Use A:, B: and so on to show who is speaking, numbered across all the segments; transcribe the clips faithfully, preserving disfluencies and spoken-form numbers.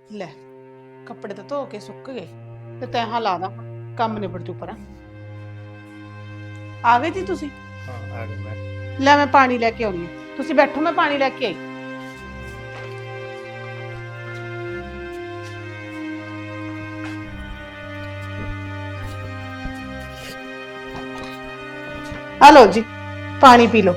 A: ਲੈ ਕੱਪੜੇ ਤਾਂ ਧੋ ਕੇ ਸੁੱਕ ਗਏ ਤੇ ਤੈਂ ਹਾਂ ਲਾ ਦਾ ਕੰਮ ਨਿਬੜ ਜੂ ਪਰਾਂ। ਆ ਗਏ ਜੀ ਤੁਸੀਂ?
B: ਹਾਂ ਆ ਗਈ ਮੈਂ।
A: ਲੈ ਮੈਂ ਪਾਣੀ ਲੈ ਕੇ ਆਉਣੀ ਆ, ਤੁਸੀਂ ਬੈਠੋ ਮੈਂ ਪਾਣੀ ਲੈ ਕੇ ਆਈ। ਆ ਲਓ ਜੀ ਪਾਣੀ ਪੀ ਲਓ।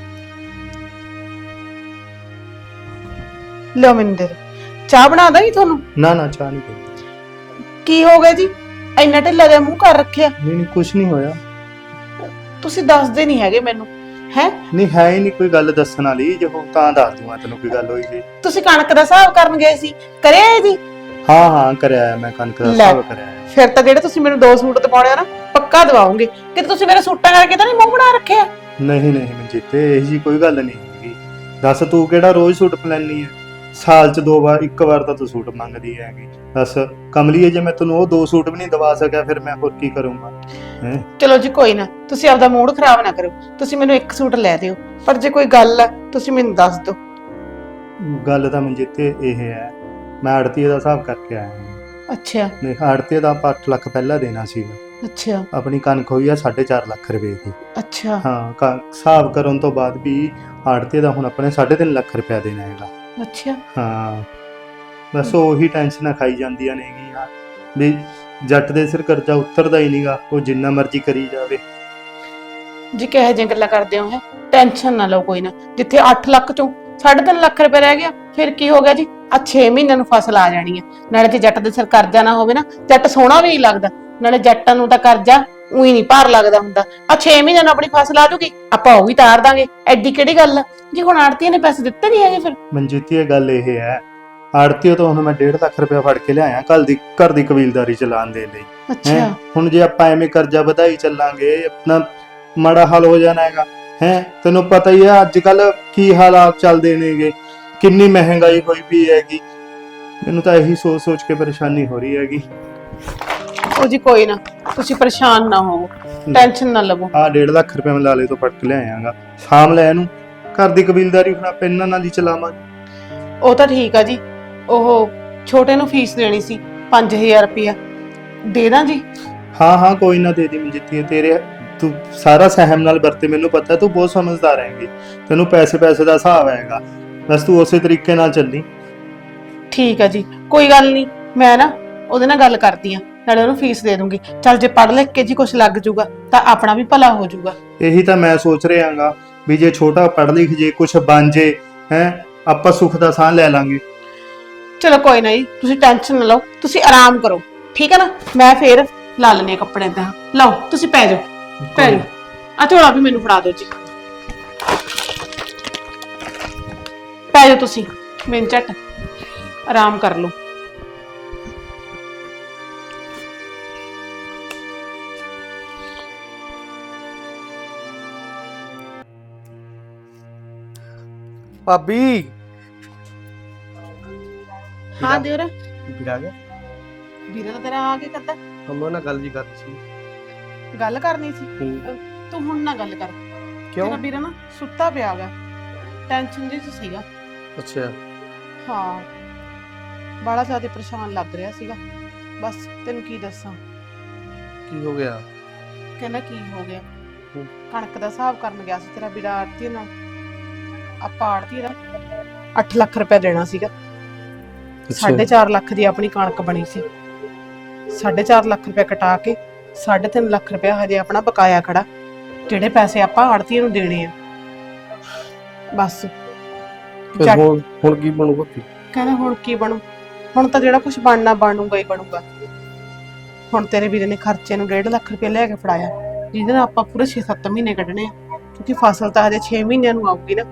A: ਲਓ ਮੈਨੂੰ ਦੇ ਦਿਓ। ਚਾਹ ਬਣਾ ਦਾਂ ਜੀ ਤੁਹਾਨੂੰ?
B: ਨਾ ਨਾ ਚਾਹ ਨਹੀਂ ਪੀਣੀ।
A: ਕੀ ਹੋ ਗਿਆ ਜੀ, ਇੰਨਾ ਢਿੱਲਾ ਜਿਹਾ ਮੂੰਹ ਕਰ ਰੱਖਿਆ?
B: ਨਹੀਂ ਨਹੀਂ ਕੁਝ ਨਹੀਂ ਹੋਇਆ।
A: ਤੁਸੀਂ ਦੱਸਦੇ ਨਹੀਂ ਹੈਗੇ ਮੈਨੂੰ ਹੈ।
B: ਨਹੀਂ ਹੈ ਹੀ ਨਹੀਂ ਕੋਈ ਗੱਲ ਦੱਸਣ ਵਾਲੀ, ਜੇ ਹੋ ਤਾਂ ਦੱਸ ਦੂੰਗਾ ਤੈਨੂੰ ਕੋਈ ਗੱਲ ਹੋਈ ਜੀ।
A: ਤੁਸੀਂ ਕਣਕ ਦਾ ਹਿਸਾਬ ਕਰਨ ਗਏ ਸੀ, ਕਰਿਆ ਜੀ?
B: ਹਾਂ ਹਾਂ ਕਰਿਆ ਮੈਂ ਕਣਕ ਦਾ ਹਿਸਾਬ ਕਰਿਆ।
A: ਫਿਰ ਤਾਂ ਜਿਹੜੇ ਤੁਸੀਂ ਮੈਨੂੰ ਦੋ ਸੂਟ ਦਿਵਾਉਣੇ ਆ ਨਾ ਪੱਕਾ ਦਿਵਾਉਂਗੇ। ਕਿ ਤੁਸੀਂ ਮੇਰੇ ਸੂਟਾਂ ਕਰਕੇ ਤਾਂ ਨਹੀਂ ਮੂੰਹ ਬਣਾ ਰੱਖਿਆ?
B: ਨਹੀਂ ਨਹੀਂ ਮਨਜੀਤੇ ਇਹ ਜੀ ਕੋਈ ਗੱਲ ਨਹੀਂ ਹੈਗੀ। ਦੱਸ ਤੂੰ ਕਿਹੜਾ ਰੋਜ਼ ਸੂਟ ਪਲੈਣੀ ਹੈ? ਸਾਲ ਚ ਦੋ ਵਾਰ ਇੱਕ ਵਾਰ ਤਾਂ ਤੂੰ ਸੂਟ ਮੰਗਦੀ ਹੈਗੀ। ਦੱਸ ਕਮਲੀਏ, ਜੇ ਮੈਂ ਤੈਨੂੰ ਉਹ ਦੋ ਸੂਟ ਵੀ ਨਹੀਂ ਦਵਾ ਸਕਿਆ ਫਿਰ ਮੈਂ ਹੋਰ ਕੀ ਕਰੂੰਗਾ ਹੈ?
A: ਚਲੋ ਜੀ ਕੋਈ ਨਾ, ਤੁਸੀਂ ਆਪਦਾ ਮੂਡ ਖਰਾਬ ਨਾ ਕਰੋ। ਤੁਸੀਂ ਮੈਨੂੰ ਇੱਕ ਸੂਟ ਲੈ ਦਿਓ, ਪਰ ਜੇ ਕੋਈ ਗੱਲ ਹੈ ਤੁਸੀਂ ਮੈਨੂੰ ਦੱਸ ਦਿਓ।
B: ਗੱਲ ਤਾਂ ਮਨਜੀਤੇ ਇਹ ਹੈ, ਮੈਂ ਆੜਤੀਏ ਦਾ ਹਿਸਾਬ ਕਰਕੇ ਆਇਆ ਹਾਂ।
A: ਅੱਛਾ।
B: ਨਹੀਂ ਆੜਤੀਏ ਦਾ ਆਪਾਂ ਅੱਠ ਲੱਖ ਪਹਿਲਾਂ ਦੇਣਾ ਸੀਗਾ।
A: ਅੱਛਾ।
B: ਆਪਣੀ ਕਣਕ ਹੋਈ ਆ ਸਾਢੇ ਚਾਰ ਲੱਖ ਰੁਪਏ ਦੀ।
A: ਅੱਛਾ।
B: ਹਾਂ ਹਿਸਾਬ ਕਰਨ ਤੋਂ ਬਾਅਦ ਵੀ ਆੜਤੀਏ ਦਾ ਹੁਣ ਆਪਣੇ ਸਾਢੇ ਤਿੰਨ ਲੱਖ ਰੁਪਇਆ ਦੇਣਾ ਹੈਗਾ।
A: ਅੱਛਾ।
B: ਹਾਂ ਬਸ ਉਹੀ ਟੈਨਸ਼ਨਾਂ ਖਾਈ ਜਾਂਦੀਆਂ ਨੇਗੀਆਂ ਵੀ ਜੱਟ ਦੇ ਸਿਰ ਕਰਜ਼ਾ ਉਤਰਦਾ ਹੀ ਨਹੀਂਗਾ, ਉਹ ਜਿੰਨਾ ਮਰਜ਼ੀ ਕਰੀ ਜਾਵੇ।
A: ਜੀ ਕਿਹੋ ਜਿਹੀਆਂ ਗੱਲਾਂ ਕਰਦੇ ਹੋ ਹੈ? ਟੈਨਸ਼ਨ ਨਾ ਲਓ ਕੋਈ ਨਾ। ਜਿੱਥੇ ਅੱਠ ਲੱਖ ਚੋਂ ਸਾਢੇ ਤਿੰਨ ਲੱਖ ਰੁਪਏ ਰਹਿ ਗਿਆ ਫਿਰ ਕੀ ਹੋ ਗਿਆ ਜੀ? ਆ ਛੇ ਮਹੀਨਿਆਂ ਨੂੰ ਫਸਲ ਆ ਜਾਣੀ ਹੈ। ਨਾਲੇ ਜੇ ਜੱਟ ਦੇ ਸਿਰ ਕਰਜ਼ਾ ਨਾ ਹੋਵੇ ਨਾ, ਜੱਟ ਸੋਹਣਾ ਵੀ ਨਹੀਂ ਲੱਗਦਾ। ਨਾਲੇ ਜੱਟਾਂ ਨੂੰ ਤਾਂ ਕਰਜ਼ਾ ਉਹੀ ਨਹੀਂ ਭਾਰ ਲੱਗਦਾ ਹੁੰਦਾ। ਆ ਛੇ ਮਹੀਨਿਆਂ ਨੂੰ ਆਪਣੀ ਫਸਲ ਆ ਜੂਗੀ, ਆਪਾਂ ਉਹ ਵੀ ਤਾਰ ਦਾਂਗੇ। ਐਡੀ ਕਿਹੜੀ ਗੱਲ ਆ ਜੀ? ਹੁਣ ਆੜਤੀਆਂ ਨੇ ਪੈਸੇ ਦਿੱਤੇ ਨਹੀਂ ਹੈਗੇ ਫਿਰ?
B: ਮਨਜੀਤੀ ਇਹ ਗੱਲ ਇਹ ਹੈ, ਆੜਤੀਓ ਤੋਂ ਹੁਣ ਮੈਂ ਡੇਢ ਲੱਖ ਰੁਪਇਆ ਫੜ ਕੇ ਲਿਆਇਆ ਕੱਲ ਦੀ ਘਰ ਦੀ ਕਬੀਲਦਾਰੀ ਚਲਾਉਣ ਦੇ ਲਈ।
A: ਅੱਛਾ।
B: ਹੁਣ ਜੇ ਆਪਾਂ ਐਵੇਂ ਕਰਜ਼ਾ ਵਧਾਈ ਚੱਲਾਂਗੇ ਆਪਣਾ ਮਾੜਾ ਹਾਲ ਹੋ ਜਾਣਾ ਹੈਗਾ ਹੈ। ਤੈਨੂੰ ਪਤਾ ਹੀ ਹੈ ਅੱਜ ਕੱਲ ਕੀ ਹਾਲਾਤ ਚੱਲਦੇ ਨੇਗੇ, ਕਿੰਨੀ ਮਹਿੰਗਾਈ ਹੋਈ ਪਈ ਹੈਗੀ। ਮੈਨੂੰ ਤਾਂ ਇਹੀ ਸੋਚ ਸੋਚ ਕੇ ਪਰੇਸ਼ਾਨੀ ਹੋ ਰਹੀ ਹੈਗੀ।
A: ਉਹ ਜੀ ਕੋਈ ਨਾ, ਤੁਸੀਂ ਪਰੇਸ਼ਾਨ ਨਾ ਹੋਵੋ, ਟੈਨਸ਼ਨ ਨਾ ਲਵੋ।
B: ਆ ਡੇਢ ਲੱਖ ਰੁਪਏ ਮੈਂ ਲਾਲੇ ਤੋਂ ਫੜ ਕੇ ਲਿਆਇਆਗਾ। ਸ਼ਾਮ ਲੈ ਇਹਨੂੰ, ਘਰ ਦੀ ਕਬੀਲਦਾਰੀ ਹੁਣ ਆਪਾਂ ਇਹਨਾਂ ਨਾਲ ਹੀ ਚਲਾਵਾਂਗੇ।
A: ਉਹ ਤਾਂ ਠੀਕ ਆ ਜੀ। ਉਹ ਛੋਟੇ ਨੂੰ ਫੀਸ ਦੇਣੀ ਸੀ ਪੰਜ ਹਜ਼ਾਰ ਰੁਪਇਆ, ਦੇ ਦਾਂ ਜੀ?
B: ਹਾਂ ਹਾਂ ਕੋਈ ਨਾ ਦੇ ਦੀ ਮਨਜੀਤੀ। ਤੇਰੇ ਤੂੰ ਸਾਰਾ ਸਹਿਮ ਨਾਲ ਵਰਤੇ, ਮੈਨੂੰ ਪਤਾ ਤੂੰ ਬਹੁਤ ਸਮਝਦਾਰ ਹੈਂਗੀ, ਤੈਨੂੰ ਪੈਸੇ ਪੈਸੇ ਦਾ ਹਿਸਾਬ ਆਏਗਾ। ਬਸ ਤੂੰ ਉਸੇ ਤਰੀਕੇ ਨਾਲ ਚੱਲੀ।
A: ਠੀਕ ਆ ਜੀ, ਕੋਈ ਗੱਲ ਨਹੀਂ। ਮੈਂ ਨਾ ਉਹਦੇ ਨਾਲ ਗੱਲ ਕਰਦੀ ਆ, ਨਾਲੇ ਉਹਨੂੰ ਫੀਸ ਦੇ ਦੂੰਗੀ। ਚੱਲ ਜੇ ਪੜ੍ਹ ਲਿਖ ਕੇ ਜੀ ਕੁਝ ਲੱਗ ਜੂਗਾ ਤਾਂ ਆਪਣਾ ਵੀ ਭਲਾ ਹੋ ਜੂਗਾ।
B: ਇਹੀ ਤਾਂ ਮੈਂ ਸੋਚ ਰਿਹਾਗਾ ਵੀ ਜੇ ਛੋਟਾ ਪੜ੍ਹ ਲਿਖ ਜੇ ਕੁਝ ਬਣ ਜੇ ਹੈ, ਆਪਾਂ ਸੁੱਖ ਦਾ ਸਾਹ ਲੈ ਲਾਂਗੇ।
A: ਚਲੋ ਕੋਈ ਨਾ ਜੀ, ਤੁਸੀਂ ਟੈਨਸ਼ਨ ਨਾ ਲਓ, ਤੁਸੀਂ ਆਰਾਮ ਕਰੋ ਠੀਕ ਹੈ ਨਾ। ਮੈਂ ਫੇਰ ਲਾ ਲੈਣੇ ਕੱਪੜੇ ਤਾਂ। ਲਓ ਤੁਸੀਂ ਪੈ ਜਾਓ, ਪੈ ਜਾਓ। ਆ ਝੋਲਾ ਵੀ ਮੈਨੂੰ ਫੜਾ ਦਿਓ ਜੀ। ਪੈ ਜਾਓ ਤੁਸੀਂ, ਮੈਨੂੰ ਝੱਟ ਆਰਾਮ ਕਰ ਲਓ।
C: ਭਾਬੀ
A: ਹਾਂ ਦਿਓਰਾ।
C: ਵੀਰ ਆ ਗਿਆ?
A: ਵੀਰਾ ਤਾਂ ਤੇਰਾ ਆ ਕੇ ਕਰਦਾ
C: ਹਮੋ ਨਾਲ ਗੱਲ ਜੀ ਕਰਨੀ ਸੀ।
A: ਗੱਲ ਕਰਨੀ ਸੀ।
C: ਹੂੰ।
A: ਤੂੰ ਹੁਣ ਨਾ ਗੱਲ ਕਰ।
C: ਕਿਉਂ?
A: ਤੇਰਾ ਵੀਰਾ ਨਾ ਸੁੱਤਾ ਪਿਆ ਗਾ, ਟੈਨਸ਼ਨ ਜੀ ਚ ਸੀਗਾ।
C: ਅੱਛਾ।
A: ਹਾਂ ਬੜਾ ਜ਼ਿਆਦਾ ਪਰੇਸ਼ਾਨ ਲੱਗ ਰਿਹਾ ਸੀਗਾ। ਬਸ ਤੈਨੂੰ ਕੀ ਦੱਸਾਂ।
C: ਕੀ ਹੋ ਗਿਆ?
A: ਕਹਿੰਦਾ ਕੀ ਹੋ ਗਿਆ,
C: ਹੂੰ।
A: ਕਣਕ ਦਾ ਹਿਸਾਬ ਕਰਨ ਗਿਆ ਸੀ ਤੇਰਾ ਵੀਰਾ ਆੜਤੀ ਨਾਲ। ਆਪਾਂ ਆੜਤੀ ਦਾ ਅੱਠ ਲੱਖ ਰੁਪਏ ਦੇਣਾ ਸੀਗਾ। ਸਾਢੇ ਚਾਰ ਲੱਖ ਦੀ ਆਪਣੀ ਕਣਕ ਬਣੀ ਸੀ। ਸਾਢੇ ਚਾਰ ਲੱਖ ਰੁਪਏ ਕਟਾ ਕੇ ਸਾਢੇ ਤਿੰਨ ਲੱਖ ਰੁਪਏ ਹਜੇ ਆਪਣਾ ਬਕਾਇਆ ਖੜਾ, ਜਿਹੜੇ ਪੈਸੇ ਆਪਾਂ ਆੜਤੀ ਨੂੰ ਦੇਣੇ ਆ। ਬਸ
C: ਫਿਰ ਹੁਣ ਹੁਣ ਕੀ ਬਣੂਗਾ?
A: ਕਹਿੰਦਾ ਹੁਣ ਕੀ ਬਣੂ? ਹੁਣ ਤਾਂ ਜਿਹੜਾ ਕੁਝ ਬਣਨਾ ਬਣੂਗਾ ਹੀ ਬਣੂਗਾ। ਹੁਣ ਤੇਰੇ ਵੀਰੇ ਨੇ ਖਰਚੇ ਨੂੰ ਡੇਢ ਲੱਖ ਰੁਪਏ ਲੈ ਕੇ ਫੜਾਇਆ, ਜਿਹਦੇ ਨਾਲ ਆਪਾਂ ਪੂਰੇ ਛੇ ਸੱਤ ਮਹੀਨੇ ਕੱਢਣੇ ਆ, ਕਿਉਂਕਿ ਫਸਲ ਤਾਂ ਹਜੇ ਛੇ ਮਹੀਨਿਆਂ ਨੂੰ ਆਊਗੀ ਨਾ।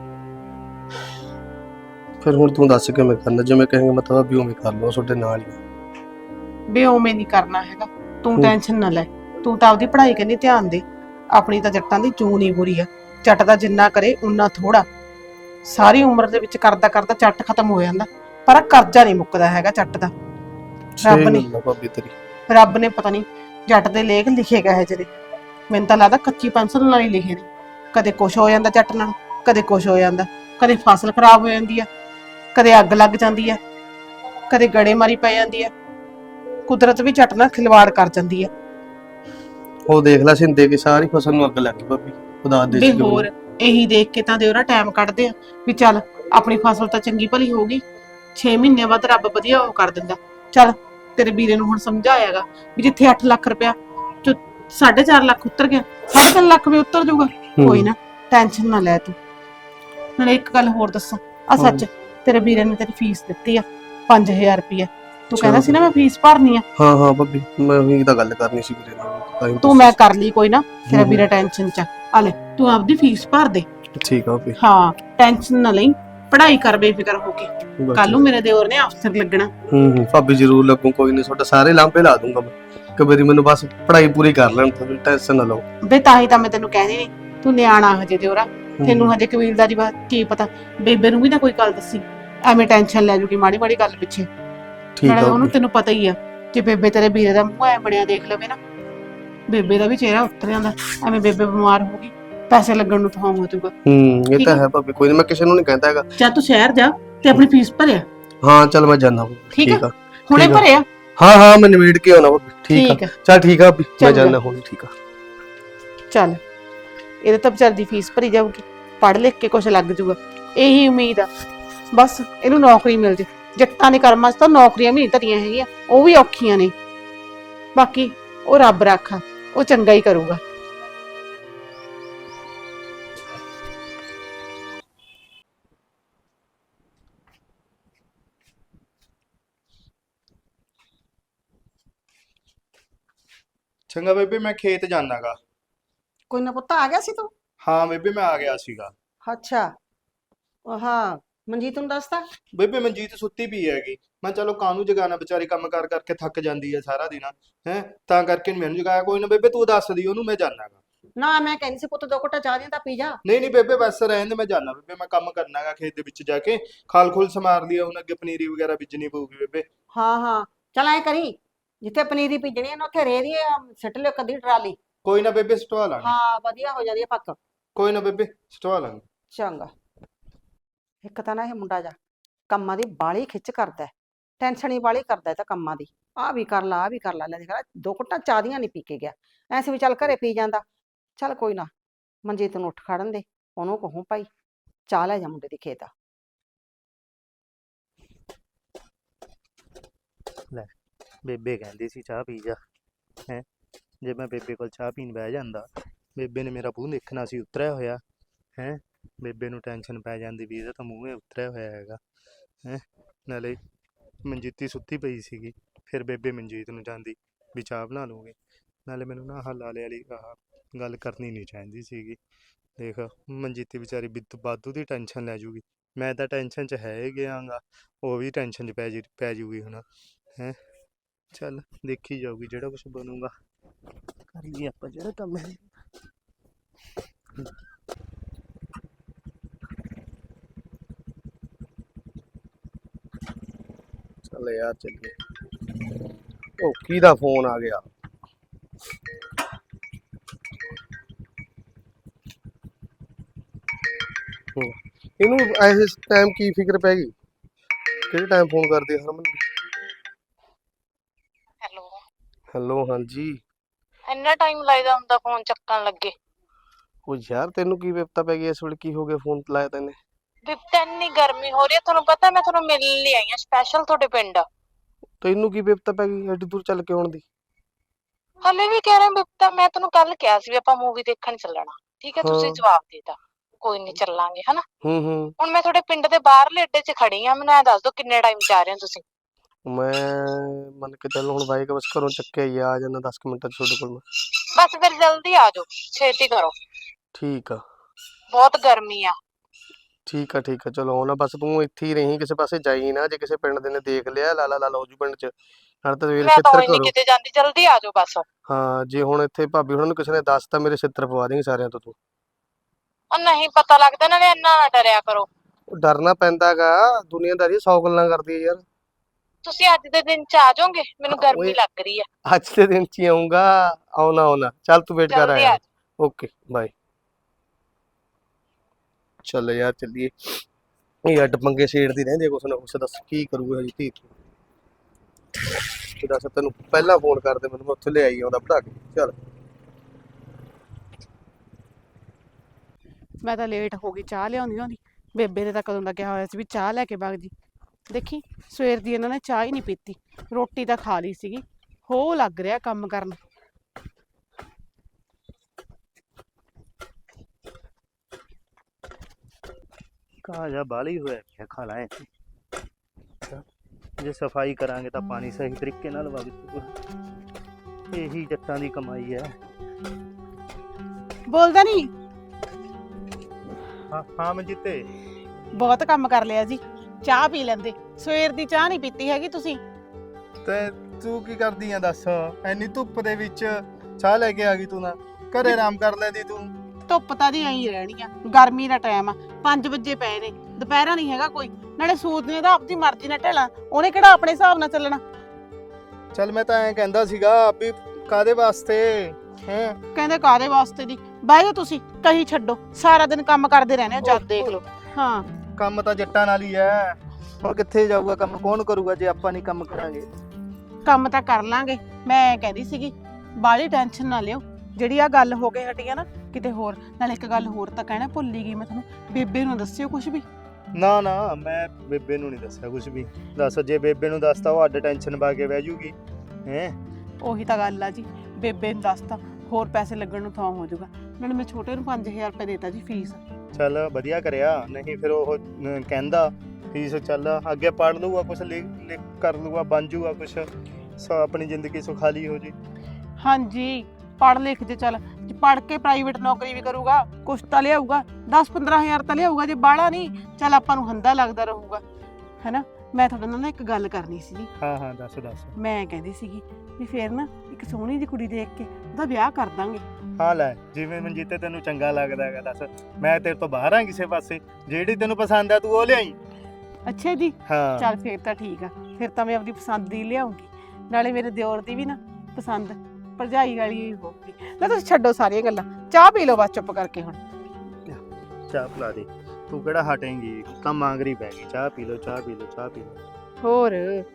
C: ਫਿਰ ਹੁਣ ਤੂੰ ਦੱਸ ਕਿਵੇਂ ਕਰਨਾ? ਜਿਵੇਂ ਕਹੇਂਗੇ ਮਤਲਬ ਵੀ ਉਵੇਂ ਕਰ ਲਓ ਤੁਹਾਡੇ ਨਾਲ ਹੀ।
A: ਵੀ ਉਵੇਂ ਨਹੀਂ ਕਰਨਾ ਹੈਗਾ, ਤੂੰ ਟੈਨਸ਼ਨ ਨਾ ਲੈ। ਤੂੰ ਤਾਂ ਆਪਦੀ ਪੜ੍ਹਾਈ ਕੰਨੀ ਧਿਆਨ ਦੇ। ਆਪਣੀ ਤਾਂ ਜੱਟਾਂ ਦੀ ਚੂਨ ਹੀ ਬੁਰੀ ਆ। ਜੱਟ ਦਾ ਜਿੰਨਾ ਕਰੇ ਉਨਾ ਥੋੜਾ। ਸਾਰੀ ਉਮਰ ਦੇ ਵਿੱਚ ਕਰਦਾ ਕਰਦਾ ਚੱਟ ਖਤਮ ਹੋ ਜਾਂਦਾ, ਪਰ ਕਰਜ਼ਾ ਨਹੀਂ ਮੁੱਕਦਾ ਹੈਗਾ ਚੱਟ ਦਾ। ਰੱਬ ਨੇ
C: ਭਾਬੀ ਤੇਰੀ
A: ਰੱਬ ਨੇ ਪਤਾ ਨਹੀਂ ਜੱਟ ਦੇ ਲੇਖ ਲਿਖੇ ਗਏ ਜਿਹੜੇ, ਮੈਨੂੰ ਤਾਂ ਲੱਗਦਾ ਕੱਚੀ ਪੈਨਸਲ ਨਾਲ ਹੀ ਲਿਖੇ ਨੇ। ਕਦੇ ਕੁਛ ਹੋ ਜਾਂਦਾ ਜੱਟ ਨਾਲ, ਕਦੇ ਕੁਛ ਹੋ ਜਾਂਦਾ, ਕਦੇ ਫਸਲ ਖਰਾਬ ਹੋ ਜਾਂਦੀ ਆ, ਕਦੇ ਅੱਗ ਲੱਗ ਜਾਂਦੀ ਆ। ਕਦੇ ਗੜੇ ਮਾਰੀ ਪੈ ਜਾਂਦੀ ਆ। ਕੁਦਰਤ ਵੀ ਝਟ ਨਾਲ ਖਿਲਵਾੜ ਕਰ ਜਾਂਦੀ ਆ।
C: ਉਹ ਦੇਖ ਲੈ ਸਿੰਦੇ ਕੀ ਸਾਰੀ ਫਸਲ ਨੂੰ ਅੱਗ ਲੱਗ ਗਈ ਭਾਬੀ, ਖੁਦਾ ਦੇ
A: ਵੀ
C: ਸੀ
A: ਹੋਰ ਇਹੀ ਦੇਖ ਕੇ ਤਾਂ ਦਿਓਰਾ ਟਾਈਮ ਕੱਢਦੇ ਆ ਵੀ ਚੱਲ ਆਪਣੀ ਫਸਲ ਤਾਂ ਚੰਗੀ ਭਲੀ ਹੋਊਗੀ। ਛੇ ਮਹੀਨੇ ਬਾਅਦ ਰੱਬ ਵਧੀਆ ਉਹ ਕਰ ਦਿੰਦਾ। ਚੱਲ ਤੇਰੇ ਵੀਰੇ ਨੂੰ ਹੁਣ ਸਮਝਾਇਆਗਾ ਵੀ ਜਿੱਥੇ ਅੱਠ ਲੱਖ ਰੁਪਇਆ ਚ ਸਾਢੇ ਚਾਰ ਲੱਖ ਉਤਰ ਗਿਆ, ਸਾਢੇ ਤਿੰਨ ਲੱਖ ਵੀ ਉਤਰ ਜਾਊਗਾ। ਕੋਈ ਨਾ ਟੈਨਸ਼ਨ ਨਾ ਲੈ ਤੂੰ। ਨਾਲੇ ਇੱਕ ਗੱਲ ਹੋਰ ਦੱਸਾਂ, ਆ ਸੱਚ ਤੇਰੇ ਵੀਰੇ ਨੇ ਤੇਰੀ ਫੀਸ ਦਿੱਤੀ ਆ ਪੰਜ ਹਜ਼ਾਰ ਰੁਪਇਆ। ਤੂੰ ਕਹਿੰਦਾ ਸੀ ਨਾ ਮੈਂ ਫੀਸ ਭਰਨੀ ਆ।
C: ਹਾਂ ਹਾਂ ਭਾਬੀ, ਮੈਂ ਵੀ ਤਾਂ ਗੱਲ ਕਰਨੀ ਸੀ ਵੀਰੇ ਨਾਲ, ਤਾਂ ਹੀ
A: ਤੂੰ ਮੈਂ ਕਰ ਲਈ ਕੋਈ ਨਾ, ਤੇਰਾ ਵੀਰਾ ਟੈਨਸ਼ਨ ਚ ਆ। ਲੈ ਤੂੰ ਆਪਦੀ ਫੀਸ ਭਰ ਦੇ।
C: ਠੀਕ ਆ ਭਾਬੀ।
A: ਹਾਂ ਟੈਨਸ਼ਨ ਨਾ ਲਈ, ਪੜ੍ਹਾਈ ਕਰ ਬੇਫਿਕਰ ਹੋ ਕੇ। ਕੱਲ ਨੂੰ ਮੇਰੇ ਦਿਓਰ ਨੇ ਅਫਸਰ ਲੱਗਣਾ।
C: ਹੂੰ ਹੂੰ ਭਾਬੀ ਜ਼ਰੂਰ ਲੱਗੂ, ਕੋਈ ਨਹੀਂ, ਤੁਹਾਡੇ ਸਾਰੇ ਲਾਂਭੇ ਲਾ ਦੂੰਗਾ ਮੈਂ। ਇੱਕ ਵਾਰੀ ਮੈਨੂੰ ਬਸ ਪੜ੍ਹਾਈ ਪੂਰੀ ਕਰ ਲੈਣ, ਤੁਸੀਂ ਟੈਨਸ਼ਨ ਨਾ ਲਓ।
A: ਬੇ ਤਾਂ ਹੀ ਤਾਂ ਮੈਂ ਤੈਨੂੰ ਕਹਿੰਦੀ ਨਹੀਂ, ਤੂੰ ਨਿਆਣਾ ਹਜੇ ਦਿਓਰਾ, ਤੈਨੂੰ ਹਜੇ ਕਬੀਲਦਾਰੀ ਬਾਤ ਕੀ ਪਤਾ। ਬੇਬੇ ਨੂੰ ਵੀ ਨਾ ਕੋਈ ਗੱਲ ਦੱਸੀ, ਐਵੇਂ ਟੈਨਸ਼ਨ ਲੈ ਜੂਗੀ ਮਾੜੀ ਮਾੜੀ ਗੱਲ ਪਿੱਛੇ।
C: ਠੀਕ ਆ
A: ਉਹਨੂੰ ਤੈਨੂੰ ਪਤਾ ਹੀ ਆ, ਜੇ ਬੇਬੇ ਤੇਰੇ ਵੀਰੇ ਦਾ ਮੂੰਹ ਐ ਬਣਿਆ ਦੇਖ ਲਵੇ ਨਾ, ਬੇਬੇ ਦਾ ਵੀ ਚਿਹਰਾ ਉਤਰ ਜਾਂਦਾ। ਐਵੇਂ ਬੇਬੇ ਬਿਮਾਰ ਹੋ ਗਈ, ਪੈਸੇ ਲੱਗਣ ਨੂੰ ਥਾਂ ਹੋ ਜਾਊਗਾ।
C: ਹੂੰ ਇਹ ਤਾਂ ਹੈ ਭਾਬੀ, ਕੋਈ ਨਹੀਂ, ਮੈਂ ਕਿਸੇ ਨੂੰ ਨਹੀਂ ਕਹਿੰਦਾ ਹੈਗਾ।
A: ਚੱਲ ਤੂੰ ਸ਼ਹਿਰ ਜਾ ਤੇ ਆਪਣੀ ਫੀਸ ਭਰਿਆ।
C: ਹਾਂ ਚੱਲ ਮੈਂ ਜਾਣਾ।
A: ਠੀਕ ਆ, ਹੁਣੇ ਭਰਿਆ।
C: ਹਾਂ ਹਾਂ ਮੈਂ ਨਿਬੇੜ ਕੇ ਆਉਣਾ ਭਾਬੀ। ਠੀਕ ਆ ਚੱਲ, ਠੀਕ ਆ ਭਾਬੀ, ਮੈਂ ਜਾਣਾ ਹੁਣ। ਠੀਕ ਆ
A: ਚੱਲ, ਇਹਦੇ ਤਾਂ ਵਿਚਾਰ ਦੀ ਫੀਸ ਭਰੀ ਜਾਊਗੀ, ਪੜ੍ਹ ਲਿਖ ਕੇ ਕੁਛ ਲੱਗ ਜਾਊਗਾ। ਇਹੀ ਉਮੀਦ ਆ ਬਸ, ਇਹਨੂੰ ਨੌਕਰੀ ਮਿਲ ਜੇ। ਜੱਟਾਂ ਦੇ ਕਰਮਾਂ 'ਚ ਤਾਂ ਨੌਕਰੀਆਂ ਵੀ ਨਹੀਂ ਧਰੀਆਂ ਹੈਗੀਆਂ, ਉਹ ਵੀ ਔਖੀਆਂ ਨੇ। ਬਾਕੀ ਉਹ ਰੱਬ ਰਾਖਾ, ਉਹ ਚੰਗਾ ਹੀ ਕਰੂਗਾ।
B: ਚੰਗਾ ਬੇਬੇ, ਮੈਂ ਖੇਤ ਜਾਣਾਗਾ।
D: ਕੋਈ ਨਾ ਪੁੱਤ, ਆ ਗਿਆ ਸੀ ਤੂੰ?
B: ਹਾਂ ਬੇਬੇ ਮੈਂ ਆ ਗਿਆ ਸੀਗਾ।
D: ਅੱਛਾ, ਹਾਂ ਮਨਜੀਤ ਨੂੰ ਦੱਸਤਾ?
B: ਬੇਬੇ ਮਨਜੀਤ ਸੁੱਤੀ ਪਈ ਹੈਗੀ। ਮੈਂ ਚਲੋ ਕਾਹਨੂੰ ਜਗਾਣਾ, ਵਿਚਾਰੀ ਕੰਮ ਕਰ ਕਰਕੇ ਥੱਕ ਜਾਂਦੀ ਹੈ ਸਾਰਾ ਦਿਨ, ਹੈ ਤਾਂ ਕਰਕੇ ਮੈਨੂੰ ਜਗਾਇਆ। ਕੋਈ ਨਾ ਬੇਬੇ ਤੂੰ ਦੱਸ ਦੀ ਉਹਨੂੰ, ਮੈਂ ਜਾਣਾਗਾ।
D: ਨਾ ਮੈਂ ਕਹਿੰਦੀ ਸੀ ਪੁੱਤ ਦੋ ਘੁੱਟਾਂ ਚਾਹ ਦੀਆਂ ਤਾਂ ਪੀ ਜਾ।
B: ਨਹੀਂ ਨਹੀਂ ਬੇਬੇ ਬਸ ਰਹਿਣ ਦੇ, ਮੈਂ ਜਾਣਾ ਬੇਬੇ, ਮੈਂ ਕੰਮ ਕਰਨਾਗਾ ਖੇਤ ਦੇ ਵਿੱਚ ਜਾ ਕੇ। ਖਾਲ ਖੁਲ ਸਮਾਰ ਲਿਆ, ਹੁਣ ਅੱਗੇ ਪਨੀਰੀ ਵਗੈਰਾ ਬੀਜਣੀ ਪਊਗੀ ਬੇਬੇ।
D: ਹਾਂ ਹਾਂ ਚੱਲ ਐ ਕਰੀ, ਜਿੱਥੇ ਪਨੀਰੀ ਬੀਜਣੀ ਹੈ ਨਾ ਉੱਥੇ ਰੇਹ ਦੀ ਸਿੱਟ ਲਿਓ ਕਦੀ ਟਰਾਲੀ।
B: ਕੋਈ ਨਾ ਬੇਬੇ ਸਟਵਾ ਲਾਂਗੇ।
D: ਹਾਂ ਵਧੀਆ ਹੋ ਜਾਂਦੀ ਹੈ ਪੱਕ।
B: ਕੋਈ ਨਾ ਬੇਬੇ ਸਟਵਾ ਲਾਂਗੇ।
D: ਚੰਗਾ। ਇੱਕ ਤਾਂ ਨਾ ਇਹ ਮੁੰਡਾ ਜਾ ਕੰਮਾਂ ਦੀ ਬਾਲੀ ਖਿੱਚ ਕਰਦਾ, ਟੈਨਸ਼ਨ ਹੀ ਬਾਲੀ ਕਰਦਾ ਇਹ ਤਾਂ ਕੰਮਾਂ ਦੀ। ਆਹ ਵੀ ਕਰ ਲਾ, ਆਹ ਵੀ ਕਰ ਲਾ। ਲੈ ਦੇਖ ਲੈ, ਦੋ ਘੁੱਟਾਂ ਚਾਹ ਦੀਆਂ ਨਹੀਂ ਪੀ ਕੇ ਗਿਆ। ਐਸੇ ਵੀ ਚੱਲ ਘਰੇ ਪੀ ਜਾਂਦਾ। ਚੱਲ ਕੋਈ ਨਾ, ਮਨਜੀਤ ਨੂੰ ਉੱਠ ਖੜਨ ਦੇ, ਉਹਨੂੰ ਕਹੂੰ ਭਾਈ ਚਾਹ ਲੈ ਜਾ ਮੁੰਡੇ ਦੀ ਖੇਤ।
E: ਲੈ ਬੇਬੇ ਕਹਿੰਦੀ ਸੀ ਚਾਹ ਪੀ ਜਾ, ਹੈ ਜੇ ਮੈਂ ਬੇਬੇ ਕੋਲ ਚਾਹ ਪੀਣ ਬਹਿ ਜਾਂਦਾ, ਬੇਬੇ ਨੇ ਮੇਰਾ ਮੂੰਹ ਦੇਖਣਾ ਸੀ ਉਤਰਿਆ ਹੋਇਆ, ਹੈ ਬੇਬੇ ਨੂੰ ਟੈਨਸ਼ਨ ਪੈ ਜਾਂਦੀ ਵੀ ਇਹਦਾ ਤਾਂ ਮੂੰਹ ਹੀ ਉਤਰਿਆ ਹੋਇਆ ਹੈਗਾ, ਹੈ ਨਾਲੇ ਮਨਜੀਤੀ ਸੁੱਤੀ ਪਈ ਸੀਗੀ, ਫਿਰ ਬੇਬੇ ਮਨਜੀਤ ਨੂੰ ਜਾਂਦੀ ਵੀ ਚਾਹ ਬਣਾ ਲੂਗੀ। ਨਾਲੇ ਮੈਨੂੰ ਨਾ ਆਹ ਲਾਲੇ ਵਾਲੀ ਆਹ ਗੱਲ ਕਰਨੀ ਨਹੀਂ ਚਾਹੀਦੀ ਸੀਗੀ। ਦੇਖ ਮਨਜੀਤੀ ਵਿਚਾਰੀ ਬਿੱਤ ਵਾਧੂ ਦੀ ਟੈਨਸ਼ਨ ਲੈ ਜੂਗੀ, ਮੈਂ ਤਾਂ ਟੈਨਸ਼ਨ 'ਚ ਹੈ ਹੀ ਗਿਆਗਾ, ਉਹ ਵੀ ਟੈਨਸ਼ਨ 'ਚ ਪੈ ਜੀ ਪੈ ਜੂਗੀ ਹੁਣ, ਹੈ ਚੱਲ ਦੇਖੀ ਜਾਊਗੀ ਜਿਹੜਾ ਕੁਛ ਬਣੂਗਾ, ਕਰੀਏ ਆਪਾਂ ਜਿਹੜਾ ਕੰਮ ਹੈ।
C: ਚੱਲ ਯਾਰ ਚੱਲੀਏ। ਉਹ ਕਿਹਦਾ ਫੋਨ ਆ ਗਿਆ? ਇਹਨੂੰ ਇਸ ਟਾਈਮ ਕੀ ਫਿਕਰ ਪੈ ਗਈ? ਕਿਹੜੇ ਟਾਈਮ ਫੋਨ ਕਰਦੀ ਹੈ ਹਰਮਨ?
F: ਹੈਲੋ
C: ਹੈਲੋ ਹਾਂਜੀ।
F: ਇੰਨਾ ਟਾਈਮ ਲਾਈਦਾ ਹੁੰਦਾ ਫੋਨ ਚੱਕਣ ਲੱਗੇ?
C: ਉਹ ਯਾਰ ਤੈਨੂੰ ਕੀ ਵਿਪਤਾ ਪੈ ਗਈ ਇਸ ਵੇਲੇ? ਕੀ ਹੋ ਗਿਆ ਫੋਨ ਲਾਇਆ ਤੈਨੇ?
F: ਬਿਪਤਾ ਇੰਨੀ ਗਰਮੀ ਹੋ ਰਹੀ ਹੈ, ਤੁਹਾਨੂੰ ਪਤਾ ਮੈਂ ਤੁਹਾਨੂੰ ਮਿਲਣ ਲਈ ਆਈ ਹਾਂ ਸਪੈਸ਼ਲ ਤੁਹਾਡੇ ਪਿੰਡ।
C: ਤੈਨੂੰ ਕੀ ਵਿਪਤਾ ਪੈ ਗਈ ਐਡੀ ਦੂਰ ਚੱਲ ਕੇ ਆਉਣ ਦੀ?
F: ਹਲੇ ਵੀ ਕਹਿ ਰਹੇ ਬਿਪਤਾ? ਮੈਂ ਤੁਹਾਨੂੰ ਕੱਲ ਕਿਹਾ ਸੀ ਵੀ ਆਪਾਂ ਮੂਵੀ ਦੇਖਣ ਚੱਲਣਾ, ਠੀਕ ਹੈ, ਤੁਸੀਂ ਜਵਾਬ ਦੇਤਾ ਕੋਈ ਨਹੀਂ ਚੱਲਾਂਗੇ, ਹਨਾ।
C: ਹੂੰ ਹੂੰ।
F: ਹੁਣ ਮੈਂ ਤੁਹਾਡੇ ਪਿੰਡ ਦੇ ਬਾਹਰਲੇ ਅੱਡੇ 'ਚ ਖੜੀ ਹਾਂ, ਮੈਨੂੰ ਐ ਦੱਸ ਦਿਓ ਕਿੰਨੇ ਟਾਈਮ 'ਚ ਆ ਰਹੇ ਹੋ ਤੁਸੀਂ?
C: ਮੈਂ ਮੰਨ ਕੇ ਚੱਲ ਹੁਣ ਬਾਈਕ ਬਸ ਘਰੋਂ ਚੱਕਿਆ ਹੀ ਆ ਜਾਣਾ ਦਸ ਕੁ ਮਿੰਟਾਂ 'ਚ ਤੁਹਾਡੇ ਕੋਲ ਮੈਂ।
F: ਬਸ ਫਿਰ ਜਲਦੀ ਆ ਜਾਓ, ਛੇਤੀ ਕਰੋ।
C: ਠੀਕ ਆ।
F: ਬਹੁਤ ਗਰਮੀ ਆ।
C: ਠੀਕ ਆ ਠੀਕ ਆ ਚਲੋ ਆਉਣਾ, ਬਸ ਤੂੰ ਇੱਥੇ ਹੀ ਰਹੀ, ਕਿਸੇ ਪਾਸੇ ਜਾਈ ਨਾ। ਜੇ ਕਿਸੇ ਪਿੰਡ ਦੇ ਨੇ ਦੇਖ ਲਿਆ ਲਾਲਾ ਲਾਲਾ ਹੋ ਜੂ ਪਿੰਡ 'ਚ, ਨਾਲ ਤਾਂ ਮੇਰੇ
F: ਮੈਂ ਤਾਂ
C: ਛਿੱਤਰ
F: ਹੋਈ ਨਹੀਂ
C: ਕਰੋ।
F: ਕਿਤੇ ਜਾਂਦੀ, ਜਲਦੀ ਆ ਜਾਓ ਬਸ।
C: ਹਾਂ ਜੇ ਹੁਣ ਇੱਥੇ ਭਾਬੀ ਉਹਨਾਂ ਨੂੰ ਕਿਸੇ ਨੇ ਦੱਸਤਾ, ਮੇਰੇ ਛਿੱਤਰ ਪਵਾ ਦੇਂਗੀ ਸਾਰਿਆਂ ਤੋਂ ਤੂੰ।
F: ਉਹ ਨਹੀਂ ਪਤਾ ਲੱਗਦਾ, ਨਾਲੇ ਇੰਨਾ ਨਾ ਡਰਿਆ ਕਰੋ।
C: ਉਹ ਡਰਨਾ ਪੈਂਦਾਗਾ, ਦੁਨੀਆਦਾਰੀ ਸੌ ਗੱਲਾਂ ਕਰਦੀ ਹੈ ਯਾਰ।
F: ਤੁਸੀਂ ਅੱਜ ਦੇ ਦਿਨ 'ਚ ਆ ਜਾਓਗੇ? ਮੈਨੂੰ ਗਰਮੀ ਲੱਗ ਰਹੀ ਆ।
C: ਅੱਜ ਦੇ ਦਿਨ 'ਚ ਹੀ ਆਉਂਗਾ, ਆਉਣਾ ਆਉਣਾ। ਚੱਲ ਤੂੰ ਵੇਟ ਕਰ ਆਇਆ। Okay bye. ਚੱਲ ਯਾਰ ਚੱਲੀਏ। ਇਹ ਅੱਡ ਪੰਗੇ ਛੇੜਦੀ ਰਹਿੰਦੀ ਕੁਛ ਨਾ ਕੁਛ, ਦੱਸ ਕੀ ਕਰੂਗਾ ਜੀ ਧੀ। ਤੇ ਦੱਸ ਤੈਨੂੰ ਪਹਿਲਾਂ ਫੋਨ ਕਰਦੇ ਮੈਨੂੰ, ਮੈਂ ਉੱਥੇ ਲੈ ਆਈ ਆਉਂਦਾ ਪੜਾ ਕੇ। ਚੱਲ
A: ਮੈਂ ਤਾਂ ਲੇਟ ਹੋ ਗਈ ਚਾਹ ਲਿਆਉਂਦੀ ਹੁੰਦੀ। ਬੇਬੇ ਨੇ ਤਾਂ ਕਦੋਂ ਦਾ ਕਿਹਾ ਹੋਇਆ ਸੀ ਵੀ ਚਾਹ ਲੈ ਕੇ ਵਗ ਜੀ। ਦੇਖੀ ਸਵੇਰ ਦੀ ਇਹਨਾਂ ਨੇ ਚਾਹ ਹੀ ਨਹੀਂ ਪੀਤੀ, ਰੋਟੀ ਤਾਂ ਖਾ ਲਈ ਸੀਗੀ। ਹੋ ਲੱਗ ਰਿਹਾ ਕੰਮ ਕਰਨ।
E: ਘਾਹ ਜਾ ਬਾਲੀ ਹੋਇਆ ਪਿਆ, ਖਾ ਲਾ ਇੱਥੇ। ਜੇ ਸਫਾਈ ਕਰਾਂਗੇ ਤਾਂ ਪਾਣੀ ਸਹੀ ਤਰੀਕੇ ਨਾਲ ਵਗ ਜੂਗਾ। ਇਹੀ ਜੱਟਾਂ ਦੀ ਕਮਾਈ ਹੈ।
A: ਬੋਲਦਾ ਨਹੀਂ।
E: ਹਾਂ ਹਾਂ ਮਨਜੀਤੇ,
A: ਬਹੁਤ ਕੰਮ ਕਰ ਲਿਆ ਜੀ, ਚਾਹ ਪੀ ਲੈਂਦੇ। ਸਵੇਰ ਦੀ ਚਾਹ ਨਹੀਂ ਪੀਤੀ ਹੈਗੀ ਤੁਸੀਂ।
B: ਤੇ ਤੂੰ ਕੀ ਕਰਦੀ ਆ ਦੱਸ? ਐਨੀ ਧੁੱਪ ਦੇ ਵਿੱਚ ਚਾਹ ਲੈ ਕੇ ਆ ਗਈ ਤੂੰ ਨਾ, ਘਰੇ ਆਰਾਮ ਕਰ ਲੈਂਦੀ ਤੂੰ।
A: ਧੁੱਪ ਤਾਂ ਦੀ ਐਂ ਰਹਿਣੀ ਆ, ਗਰਮੀ ਦਾ ਟਾਈਮ ਆ, ਪੰਜ ਵਜੇ ਪਏ ਨੇ, ਦੁਪਹਿਰਾ ਨਹੀਂ ਹੈਗਾ ਕੋਈ। ਨਾਲੇ ਸੂਤ ਨੇ ਤਾਂ ਆਪਦੀ ਮਰਜ਼ੀ ਨਾਲ ਢੇਲਾ, ਉਹਨੇ ਕਿਹੜਾ ਆਪਣੇ ਹਿਸਾਬ ਨਾਲ ਚੱਲਣਾ।
B: ਚੱਲ ਮੈਂ ਤਾਂ ਐਂ ਕਹਿੰਦਾ ਸੀਗਾ ਵੀ ਕਾਦੇ ਵਾਸਤੇ ਹੈ?
A: ਕਹਿੰਦੇ ਕਾਦੇ ਵਾਸਤੇ ਦੀ, ਬਹਿ ਜਾਓ ਤੁਸੀਂ, ਕਹੀ ਛੱਡੋ। ਸਾਰਾ ਦਿਨ ਕੰਮ ਕਰਦੇ ਰਹਿੰਦੇ ਹੋ, ਜਦ ਦੇਖ ਲਓ। ਹਾਂ
B: ਕੰਮ ਤਾਂ ਜੱਟਾਂ ਨਾਲ ਹੀ ਐ, ਹੁਣ ਕਿੱਥੇ ਜਾਊਗਾ ਕੰਮ? ਕੌਣ ਕਰੂਗਾ ਜੇ ਆਪਾਂ ਨਹੀਂ ਕੰਮ ਕਰਾਂਗੇ?
A: ਕੰਮ ਤਾਂ ਕਰ ਲਾਂਗੇ। ਮੈਂ ਕਹਿੰਦੀ ਸੀਗੀ ਬਾਹਲੀ ਟੈਨਸ਼ਨ ਨਾ ਲਿਓ, ਜਿਹੜੀ ਆ ਗੱਲ ਹੋ ਕੇ ਹਟੀ ਆ ਨਾ ਕਿਤੇ ਹੋਰ। ਨਾਲ ਇੱਕ ਗੱਲ ਹੋਰ ਤਾਂ ਕਹਿਣਾ ਭੁੱਲ ਹੀ ਗਈ ਮੈਂ ਤੁਹਾਨੂੰ, ਬੇਬੇ ਨੂੰ ਦੱਸਿਓ ਕੁਝ ਵੀ।
B: ਨਾ ਨਾ, ਮੈਂ ਬੇਬੇ ਨੂੰ ਨਹੀਂ ਦੱਸਿਆ ਕੁਝ ਵੀ। ਦੱਸ, ਜੇ ਬੇਬੇ ਨੂੰ ਦੱਸਤਾ ਉਹ ਅੱਡ ਟੈਨਸ਼ਨ ਪਾ ਕੇ ਬਹਿ ਜੂਗੀ ਹੈ।
A: ਉਹੀ ਤਾਂ ਗੱਲ ਆ ਜੀ, ਬੇਬੇ ਨੂੰ ਦੱਸਤਾ ਹੋਰ ਪੈਸੇ ਲੱਗਣ ਨੂੰ ਥਾਂ ਹੋ ਜਾਊਗਾ। ਨਾਲੇ ਮੈਂ ਛੋਟੇ ਨੂੰ ਪੰਜ ਹਜ਼ਾਰ ਰੁਪਏ ਦੇਤਾ ਜੀ ਫੀਸ।
B: ਚੱਲ ਵਧੀਆ ਕਰਿਆ, ਨਹੀਂ ਫਿਰ ਉਹ ਅਹ, ਕਹਿੰਦਾ ਫੀਸ ਚੱਲ ਅੱਗੇ ਪੜ੍ਹ ਲੂਗਾ, ਕੁਛ ਲਿਖ ਲਿਖ ਕਰ ਲੂਗਾ, ਬਣ ਜੂਗਾ ਕੁਛ, ਆਪਣੀ ਜ਼ਿੰਦਗੀ ਸੁਖਾਲੀ ਹੋ ਜੀ।
A: ਹਾਂਜੀ ਪੜ੍ਹ ਲਿਖ ਜੇ, ਚੱਲ ਜੇ ਪੜ੍ਹ ਕੇ ਪ੍ਰਾਈਵੇਟ ਨੌਕਰੀ ਵੀ ਕਰੂਗਾ ਕੁਛ ਤਾਂ ਲਿਆਊਗਾ, ਦਸ ਪੰਦਰਾਂ ਹਜ਼ਾਰ ਤਾਂ ਲਿਆਊਗਾ, ਜੇ ਬਾਹਲਾ ਨਹੀਂ ਚੱਲ ਆਪਾਂ ਨੂੰ ਹੰਦਾ ਲੱਗਦਾ ਰਹੂਗਾ, ਹੈਨਾ। ਮੈਂ ਤੁਹਾਡੇ ਨਾਲ ਨਾ ਇੱਕ ਗੱਲ ਕਰਨੀ ਸੀ ਜੀ।
B: ਹਾਂ ਹਾਂ ਦੱਸ ਦੱਸ।
A: ਮੈਂ ਕਹਿੰਦੀ ਸੀਗੀ ਵੀ ਫੇਰ ਨਾ ਇੱਕ ਸੋਹਣੀ ਜਿਹੀ ਕੁੜੀ ਦੇਖ ਕੇ ਉਹਦਾ ਵਿਆਹ ਕਰ ਦਾਂਗੇ।
B: ਹਾਂ ਲੈ, ਜਿਵੇਂ ਮਨਜੀਤੇ ਤੈਨੂੰ ਚੰਗਾ ਲੱਗਦਾ ਹੈਗਾ ਦੱਸ, ਮੈਂ ਤੇਰੇ ਤੋਂ ਬਾਹਰ ਆ ਕਿਸੇ ਪਾਸੇ। ਜਿਹੜੀ ਤੈਨੂੰ ਪਸੰਦ ਆ ਤੂੰ ਉਹ ਲਿਆਈ।
A: ਅੱਛਾ ਜੀ,
B: ਹਾਂ
A: ਚੱਲ ਫੇਰ ਤਾਂ ਠੀਕ ਆ, ਫਿਰ ਤਾਂ ਮੈਂ ਆਪਣੀ ਪਸੰਦ ਦੀ ਲਿਆਉਂਗੀ। ਨਾਲੇ ਮੇਰੇ ਦਿਓਰ ਦੀ ਵੀ ਨਾ ਪਸੰਦ ਭਰਜਾਈ ਵਾਲੀ ਹੀ ਹੋਊਗੀ। ਨਾ ਤੁਸੀਂ ਛੱਡੋ ਸਾਰੀਆਂ ਗੱਲਾਂ, ਚਾਹ ਪੀ ਲਓ ਬਸ ਚੁੱਪ ਕਰਕੇ ਹੁਣ।
B: ਚਾਹ ਪਿਲਾ ਦੇ, ਤੂੰ ਕਿਹੜਾ ਹਟੇਂਗੀ? ਤਾਂ ਮੰਗਰੀ ਪੈ ਗਈ, ਚਾਹ ਪੀ ਲਓ ਚਾਹ ਪੀ ਲਓ ਚਾਹ ਪੀ ਲਓ।
A: ਹੋਰ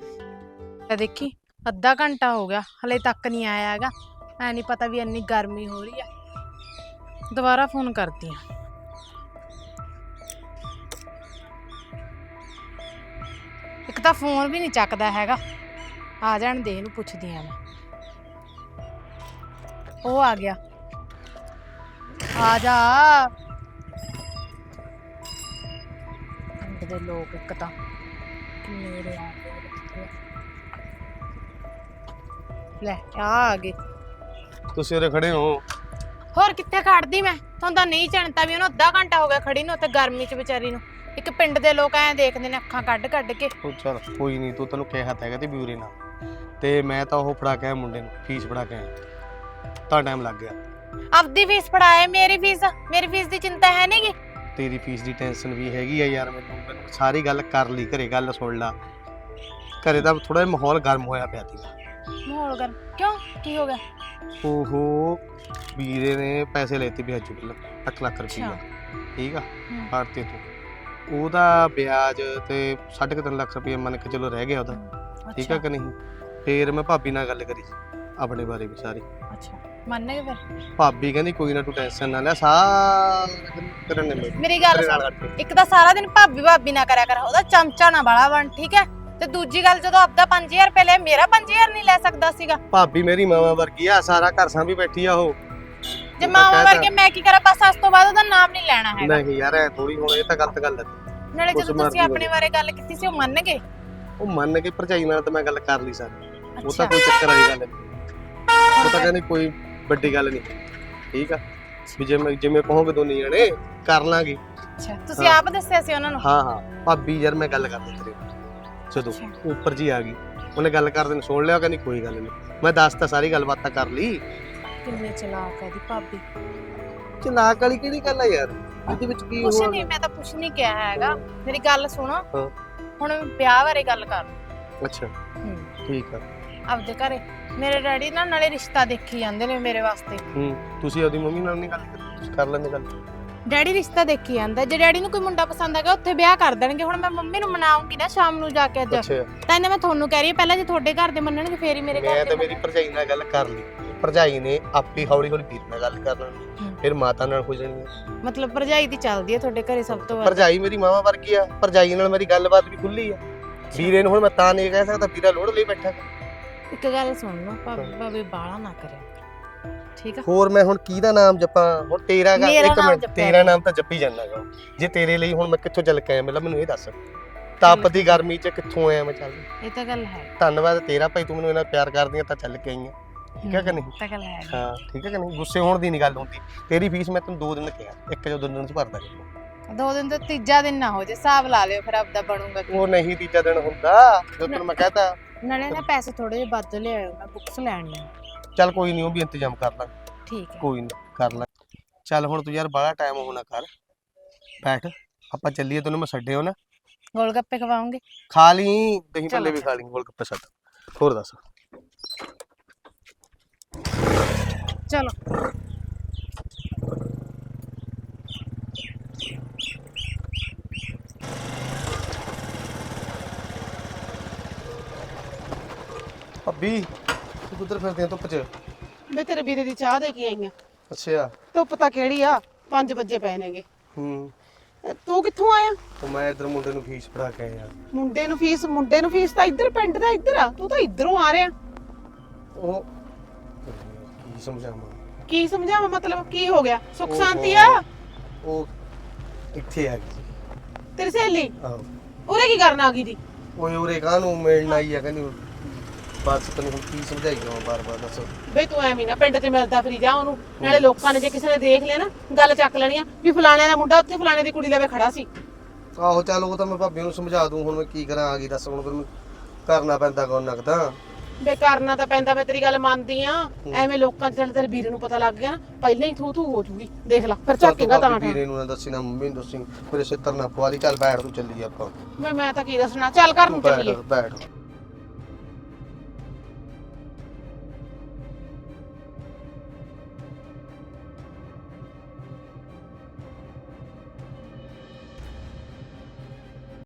G: ਆ ਦੇਖੀ ਅੱਧਾ ਘੰਟਾ ਹੋ ਗਿਆ ਹਲੇ ਤੱਕ ਨਹੀਂ ਆਇਆ ਹੈਗਾ। ਐ ਨਹੀਂ ਪਤਾ ਵੀ ਇੰਨੀ ਗਰਮੀ ਹੋ ਰਹੀ ਆ। ਦੁਬਾਰਾ ਫੋਨ ਕਰਦੀ ਆ। ਇੱਕ ਤਾਂ ਫੋਨ ਵੀ ਨਹੀਂ ਚੱਕਦਾ ਹੈਗਾ। ਆ ਜਾਣ ਦੇ, ਇਹਨੂੰ ਪੁੱਛਦੀ ਆ ਮੈਂ। ਉਹ ਆ ਗਿਆ, ਆ ਜਾ। ਪਿੰਡ ਦੇ ਲੋਕ ਇੱਕ ਤਾਂ ਮੇਰੇ ਆ ਗਏ। ਲੈ ਆ ਆ ਗਏ।
C: ਤੁਸੀਂ ਉਰੇ ਖੜੇ ਹੋ?
G: ਹੋਰ ਕਿੱਥੇ ਖੜਦੀ ਮੈਂ? ਤੁਹਾਨੂੰ ਤਾਂ ਨਹੀਂ ਜਾਣਦਾ ਵੀ ਉਹਨੂੰ ਅੱਧਾ ਘੰਟਾ ਹੋ ਗਿਆ ਖੜੀ ਨੂੰ, ਉੱਥੇ ਗਰਮੀ 'ਚ ਵਿਚਾਰੀ ਨੂੰ। ਇੱਕ ਪਿੰਡ ਦੇ ਲੋਕ ਐਂ ਦੇਖਦੇ ਨੇ ਅੱਖਾਂ ਕੱਢ ਕੱਢ ਕੇ।
C: ਉਹ ਚੱਲ ਕੋਈ ਨਹੀਂ, ਤੂੰ ਤੈਨੂੰ ਕਿਹਾ ਤਾਂ ਹੈਗਾ ਤੇ ਬਿਊਰੇ ਨਾਲ, ਤੇ ਮੈਂ ਤਾਂ ਉਹ ਫੜਾ ਕੇ ਆਇਆ ਮੁੰਡੇ ਨੂੰ, ਫੀਸ ਫੜਾ ਕੇ ਆਇਆ, ਤਾਂ ਟਾਈਮ ਲੱਗ ਗਿਆ।
G: ਆਪਦੀ ਫੀਸ ਫੜਾਏ, ਮੇਰੀ ਫੀਸ ਮੇਰੀ ਫੀਸ ਦੀ ਚਿੰਤਾ ਹੈ ਨਹੀਂਗੀ।
C: ਤੇਰੀ ਫੀਸ ਦੀ ਟੈਨਸ਼ਨ ਵੀ ਹੈਗੀ ਆ ਯਾਰ ਮੈਨੂੰ। ਮੈਨੂੰ ਸਾਰੀ ਗੱਲ ਕਰ ਲਈ, ਘਰੇ ਗੱਲ ਸੁਣ ਲਾ। ਘਰੇ ਤਾਂ ਥੋੜਾ ਜਿਹਾ ਮਾਹੌਲ ਗਰਮ ਹੋਇਆ ਪਿਆ ਸੀਗਾ।
G: ਮਾਹੌਲ ਗਰਮ ਕਿਉਂ? ਕੀ ਹੋ ਗਿਆ?
C: ਉਹ ਵੀਰੇ ਨੇ ਪੈਸੇ ਲੈਤੇ ਵਿਆਜੂ ਪਹਿਲਾਂ ਅੱਠ ਲੱਖ ਰੁਪਈਆ, ਠੀਕ ਆ,
G: ਹੂੰ।
C: ਫੜਤੇ ਤੂੰ। ਉਹਦਾ ਵਿਆਜ ਤੇ ਸਾਢੇ ਕੁ ਤਿੰਨ ਲੱਖ ਰੁਪਈਆ ਮੰਨ ਕੇ ਚਲੋ ਰਹਿ ਗਿਆ ਉਹਦਾ, ਠੀਕ ਆ ਕਿ ਨਹੀਂ। ਫੇਰ ਮੈਂ ਭਾਬੀ ਨਾਲ ਗੱਲ ਕਰੀ ਆਪਣੇ ਬਾਰੇ ਵੀ ਸਾਰੀ।
G: ਅੱਛਾ ਮੰਨ ਗਏ ਫਿਰ?
C: ਭਾਬੀ ਕਹਿੰਦੀ ਕੋਈ ਨਾ ਤੂੰ ਟੈਨਸ਼ਨ ਨਾ ਲੈ, ਸਾਰਾ ਕਰਨ ਨੇ
G: ਮੇਰੀ ਗੱਲ ਸੁਣ, ਇੱਕ ਤਾਂ ਸਾਰਾ ਦਿਨ ਭਾਬੀ ਭਾਬੀ ਨਾ ਕਰਿਆ ਕਰ, ਉਹਦਾ ਚਮਚਾ ਨਾ ਬਾਲਾ ਬਣ, ਠੀਕ ਹੈ। ਤੇ ਦੂਜੀ ਗੱਲ, ਜਦੋਂ ਆਪਦਾ ਪੰਜ ਹਜ਼ਾਰ ਰੁਪਏ ਲਿਆ, ਮੇਰਾ ਪੰਜ ਹਜ਼ਾਰ ਨਹੀਂ ਲੈ ਸਕਦਾ ਸੀਗਾ?
C: ਭਾਬੀ ਮੇਰੀ ਮਾਵਾ ਵਰਗੀ ਆ, ਸਾਰਾ ਘਰ ਸਾਂਭੀ ਬੈਠੀ ਆ ਉਹ।
G: ਜੇ ਮਾਵਾ ਵਰਗੇ ਮੈਂ ਕੀ ਕਰਾਂ? ਬਸ ਅੱਜ ਤੋਂ ਬਾਅਦ ਉਹਦਾ ਨਾਮ ਨਹੀਂ ਲੈਣਾ ਹੈਗਾ।
C: ਨਹੀਂ ਯਾਰ ਐ ਥੋੜੀ, ਹੁਣ ਇਹ ਤਾਂ ਗਲਤ ਗੱਲ ਹੈ।
G: ਨਾਲੇ ਜਦੋਂ ਤੁਸੀਂ ਆਪਣੇ ਬਾਰੇ ਗੱਲ ਕੀਤੀ ਸੀ ਉਹ ਮੰਨ ਗਏ?
C: ਉਹ ਮੰਨ ਕੇ ਭਰਜਾਈ ਨਾਲ ਤਾਂ ਮੈਂ ਗੱਲ ਕਰ ਲਈ ਸਾਰੀ, ਉਹ
G: ਅੱਛਾ
C: ਤਾਂ ਕੋਈ ਚੱਕਰ ਵਾਲੀ ਗੱਲ ਨਹੀਂ। ਉਹ ਤਾਂ ਕਹਿੰਦੀ ਕੋਈ ਵੱਡੀ ਗੱਲ ਨਹੀਂ, ਠੀਕ ਆ, ਵੀ ਜਿਵੇਂ ਜਿਵੇਂ ਕਹੋਗੇ ਦੋਨੇ ਜਣੇ ਕਰ ਲਾਂਗੇ।
G: ਅੱਛਾ ਤੁਸੀਂ ਆਪ ਦੱਸਿਆ ਸੀ ਉਹਨਾਂ ਨੂੰ?
C: ਹਾਂ ਹਾਂ ਭਾਬੀ ਯਾਰ ਮੈਂ ਗੱਲ ਕਰਦਾ ਤੇਰੇ ਜਦੋਂ ਉੱਪਰ ਜੀ ਆ ਗਈ, ਉਹਨੇ ਗੱਲ ਕਰਦੇ ਨੂੰ ਸੁਣ ਲਿਆ, ਕਹਿੰਦੀ ਕੋਈ ਗੱਲ ਨਹੀਂ। ਮੈਂ ਦੱਸ ਤਾਂ ਸਾਰੀ ਗੱਲਬਾਤ ਕਰ ਲਈ।
G: ਕਿੰਨੇ ਚਲਾਕ ਹੈ ਦੀ ਭਾਬੀ।
C: ਚਲਾਕ ਵਾਲੀ ਕਿਹੜੀ ਗੱਲ ਆ ਯਾਰ, ਇਹਦੇ ਵਿੱਚ ਕੀ
G: ਕੁਛ
C: ਹੋਇਆ?
G: ਨਹੀਂ, ਮੈਂ ਤਾਂ ਕੁਛ ਨਹੀਂ ਕਿਹਾ ਹੈਗਾ। ਮੇਰੀ ਗੱਲ ਸੁਣੋ,
C: ਹਾਂ।
G: ਹੁਣ ਵਿਆਹ ਬਾਰੇ ਗੱਲ ਕਰ।
C: ਅੱਛਾ
G: ਹੂੰ
C: ਠੀਕ ਆ।
G: ਆਪਦੇ ਘਰੇ ਮੇਰੇ ਡੈਡੀ ਨਾਲ ਨਾਲੇ ਰਿਸ਼ਤਾ ਦੇਖੀ ਜਾਂਦੇ ਨੇ ਮੇਰੇ ਵਾਸਤੇ।
C: ਹੂੰ ਤੁਸੀਂ ਉਹਦੀ ਮੰਮੀ ਨਾਲ ਨਹੀਂ ਗੱਲ ਕੀਤੀ? ਤੁਸੀਂ ਕਰ ਲੈਂਦੇ ਗੱਲ?
G: ਡੈਡੀ ਰਿਸ਼ਤਾ ਦੇਖੀ ਜਾਂਦਾ, ਜੇ ਡੈਡੀ ਨੂੰ ਕੋਈ ਮੁੰਡਾ ਪਸੰਦ ਆ ਗਿਆ ਉੱਥੇ ਵਿਆਹ ਕਰ ਦੇਣਗੇ। ਹੁਣ ਮੈਂ ਮੰਮੀ ਨੂੰ ਮਨਾਉਂਗੀ ਨਾ ਸ਼ਾਮ ਨੂੰ ਜਾ ਕੇ ਅੱਜ,
C: ਅੱਛਾ
G: ਤਾਂ ਇਹਨੇ ਮੈਂ ਤੁਹਾਨੂੰ ਕਹਿ ਰਹੀ ਹਾਂ ਪਹਿਲਾਂ ਜੇ ਤੁਹਾਡੇ ਘਰ ਦੇ ਮੰਨਣਗੇ ਫੇਰ ਹੀ ਮੇਰੇ ਘਰ
C: ਮੈਂ
G: ਦੇ
C: ਤਾਂ ਮੇਰੀ ਭਰਜਾਈ ਨਾਲ ਗੱਲ ਕਰ ਲਈ, ਭਰਜਾਈ ਨੇ ਆਪੇ ਹੌਲੀ ਹੌਲੀ ਵੀਰ ਨਾਲ ਗੱਲ ਕਰ ਲੈਣੀ, ਫਿਰ ਮਾਤਾ ਨਾਲ ਹੋ ਜਾਣੀ ਹੈ।
G: ਮਤਲਬ ਭਰਜਾਈ ਦੀ ਚੱਲਦੀ ਹੈ ਤੁਹਾਡੇ ਘਰੇ ਸਭ ਤੋਂ ਵੱਧ।
C: ਭਰਜਾਈ ਮੇਰੀ ਮਾਵਾ ਵਰਗੀ ਆ, ਭਰਜਾਈ ਨਾਲ ਮੇਰੀ ਗੱਲਬਾਤ ਵੀ ਖੁੱਲੀ ਆ। ਵੀਰੇ ਨੂੰ ਹੁਣ ਮੈਂ ਤਾਂ ਨਹੀਂ ਕਹਿ ਸਕਦਾ, ਵੀਰਾ ਲੋੜ ਲਈ ਬੈਠਾ।
G: ਇੱਕ ਗੱਲ ਸੁਣ ਲਓ, ਭਾਬੀ ਭਾਬੀ ਬਾਲਾ ਨਾ ਕਰਿਆ ਠੀਕ ਆ।
C: ਹੋਰ ਮੈਂ ਹੁਣ ਕਿਹਦਾ ਨਾਮ ਜਪਾਂ? ਹੁਣ ਤੇਰਾ ਗਾ
G: ਮੇਰਾ
C: ਇੱਕ
G: ਨਾਮ
C: ਮਿੰਟ,
G: ਜਪਿਆ
C: ਤੇਰਾ ਨਾਮ ਤਾਂ ਜੱਪੀ ਜਾਂਦਾਗਾ। ਜੇ ਤੇਰੇ ਲਈ ਹੁਣ ਮੈਂ ਕਿੱਥੋਂ ਚੱਲ ਕੇ ਆਇਆ, ਮਤਲਬ ਮੈਨੂੰ ਇਹ ਦੱਸ, ਤਪ ਦੀ ਗਰਮੀ 'ਚ ਕਿੱਥੋਂ ਆਇਆ ਮੈਂ? ਚੱਲ
G: ਇਹ ਤਾਂ ਗੱਲ ਹੈ,
C: ਧੰਨਵਾਦ ਤੇਰਾ ਭਾਈ, ਤੂੰ ਮੈਨੂੰ ਇੰਨਾ ਪਿਆਰ ਕਰਦੀ ਆ ਤਾਂ ਚੱਲ ਕੇ ਆਈ ਆ, ਠੀਕ ਹੈ ਕਿ ਨਹੀਂ?
G: ਇਹ ਤਾਂ ਗੱਲ ਹੈ।
C: ਹਾਂ ਠੀਕ ਹੈ ਕਿ ਨਹੀਂ? ਗੁੱਸੇ ਹੋਣ ਦੀ ਨਹੀਂ ਗੱਲ ਹੁੰਦੀ। ਤੇਰੀ ਫੀਸ ਮੈਂ ਤੈਨੂੰ ਦੋ ਦਿਨ ਕਿਹਾ, ਇੱਕ ਜਾਂ ਦੋ ਦਿਨ 'ਚ ਭਰਦਾ ਜਾਊਂ।
G: ਦੋ ਦਿਨ ਤੋਂ ਤੀਜਾ ਦਿਨ ਨਾ ਹੋ ਜੇ, ਹਿਸਾਬ ਲਾ ਲਿਓ ਫਿਰ ਆਪਦਾ ਬਣੂਗਾ ਕੀ।
C: ਉਹ ਨਹੀਂ ਤੀਜਾ ਦਿਨ ਹੁੰਦਾ, ਜਦੋਂ ਤੈਨੂੰ ਮੈਂ ਕਹਤਾ।
G: ਨਾਲੇ ਨਾ ਪੈਸੇ ਥੋੜੇ ਜਿਹੇ ਵੱਧ ਲਿਆਇਓ, ਮੈਂ ਬੁੱਕਸ ਲੈਣੀਆਂ।
C: ਚੱਲ ਕੋਈ ਨਹੀਂ, ਉਹ ਵੀ ਇੰਤਜ਼ਾਮ ਕਰ ਲਾਂ,
G: ਠੀਕ ਹੈ।
C: ਕੋਈ ਨਹੀਂ ਕਰ ਲਾਂ। ਚੱਲ ਹੁਣ ਤੂੰ ਯਾਰ ਬਾਹਲਾ ਟਾਈਮ ਹੋਣਾ ਕਰ, ਬੈਠ ਆਪਾਂ ਚੱਲੀਏ, ਤੈਨੂੰ ਮੈਂ ਛੱਡਿਓ ਨਾ।
G: ਗੋਲ ਗੱਪੇ ਖਵਾਉਂਗੇ?
C: ਖਾ ਲਈ, ਦਹੀਂ
G: ਚਲੋ
C: ਭੱਲੇ ਵੀ ਖਾ ਲਈ, ਗੋਲ ਗੱਪੇ ਛੱਡ। ਹੋਰ ਦੱਸ।
G: ਚਲੋ
C: ਭਾਬੀ ਤੂੰ ਕਿੱਧਰ ਫਿਰਦੀ ਆਂ ਧੁੱਪ 'ਚ?
A: ਮੈਂ ਤੇਰੇ ਵੀਰੇ ਦੀ ਚਾਹ ਦੇ ਕੇ ਆਈ ਆ।
C: ਅੱਛਾ।
A: ਧੁੱਪ ਤਾਂ ਕਿਹੜੀ ਆ, ਪੰਜ ਵਜੇ ਪਏ ਨੇਗੇ।
C: ਹੂੰ।
A: ਅ, ਤੂੰ ਕਿੱਥੋਂ ਆਇਆ?
C: ਉਹ ਮੈਂ ਇੱਧਰ ਮੁੰਡੇ ਨੂੰ ਫੀਸ ਫੜਾ ਕੇ ਆਇਆ।
A: ਮੁੰਡੇ ਨੂੰ ਫੀਸ? ਮੁੰਡੇ ਨੂੰ ਫੀਸ ਤਾਂ ਇੱਧਰ ਪਿੰਡ ਦਾ ਇੱਧਰ ਆ, ਤੂੰ ਤਾਂ ਇੱਧਰੋਂ ਆ ਰਿਹਾ।
C: ਉਹ ਕੀ ਸਮਝਾਵਾਂ?
A: ਕੀ ਸਮਝਾਵਾਂ ਮਤਲਬ ਕੀ ਹੋ ਗਿਆ? ਸੁੱਖ
C: ਉਹ-
A: ਸ਼ਾਂਤੀ ਆ?
C: ਉਹ ਇੱਥੇ ਆ ਗਈ।
A: ਤੇਰੀ ਸਹੇਲੀ
C: ਆਹੋ।
A: ਉਰੇ ਕੀ ਕਰਨ ਆ ਗਈ ਜੀ?
C: ਓਏ ਉਰੇ ਕਾਹਨੂੰ ਮਿਲਣ ਆਈ ਆ? ਕਹਿੰਦੀ ਬਸ ਤੈਨੂੰ ਹੁਣ ਕੀ ਸਮਝਾਈ ਜਾਵਾਂ ਬਾਰ-ਬਾਰ, ਦੱਸ।
A: ਬਈ ਤੂੰ ਐਵੇਂ ਨਾ ਪਿੰਡ 'ਚ ਮਿਲਦਾ ਫਿਰੀ ਜਾ ਉਹਨੂੰ, ਨਾਲੇ ਲੋਕਾਂ ਨੇ ਜੇ ਕਿਸੇ ਨੇ ਦੇਖ ਲਿਆ ਨਾ ਗੱਲ ਚੱਕ ਲੈਣੀ ਆ ਵੀ ਫਲਾਣੇ ਦਾ ਮੁੰਡਾ ਉੱਥੇ ਫਲਾਣੇ ਦੀ ਕੁੜੀ ਲਵੇ ਖੜਾ ਸੀ।
C: ਆਹੋ ਚੱਲ ਉਹ ਤਾਂ ਮੈਂ ਭਾਬੀ ਨੂੰ ਸਮਝਾ ਦੂੰ, ਹੁਣ ਮੈਂ ਕੀ ਕਰਾਂ? ਆ ਗਈ ਦੱਸ, ਹੁਣ ਫਿਰ ਕਰਨਾ ਪੈਂਦਾ ਕੌਣ ਨਕਦਾ।
A: ਬੇ ਕਰਨਾ ਤਾਂ ਪੈਂਦਾ, ਮੈਂ ਤੇਰੀ ਗੱਲ ਮੰਨਦੀ ਆ। ਐਵੇਂ ਲੋਕਾਂ 'ਚ ਚੱਲ ਤੇਰੇ ਵੀਰੇ ਨੂੰ ਪਤਾ ਲੱਗ ਗਿਆ ਨਾ, ਪਹਿਲਾਂ ਹੀ ਥੂ ਥੂ ਹੋ ਜੂਗੀ, ਦੇਖ ਲੈ ਫਿਰ ਝਾਕੇਗਾ ਤਾਂ ਠਾ।
C: ਵੀਰੇ ਨੂੰ ਨਾ ਦੱਸੀ, ਨਾ ਮੰਮੀ ਨੂੰ ਦੱਸੀ, ਮੇਰੇ ਸਿੱਤਰ ਨਾ ਪਵਾ ਲਈ। ਚੱਲ ਬੈਠ ਤੂੰ, ਚੱਲੀਏ ਆਪਾਂ।
A: ਮੈਂ ਮੈਂ ਤਾਂ ਕੀ ਦੱਸਣਾ, ਚੱਲ ਘਰ ਨੂੰ
C: ਬੈਠ
A: ਚੱਲੀਏ।
C: ਬੈਠ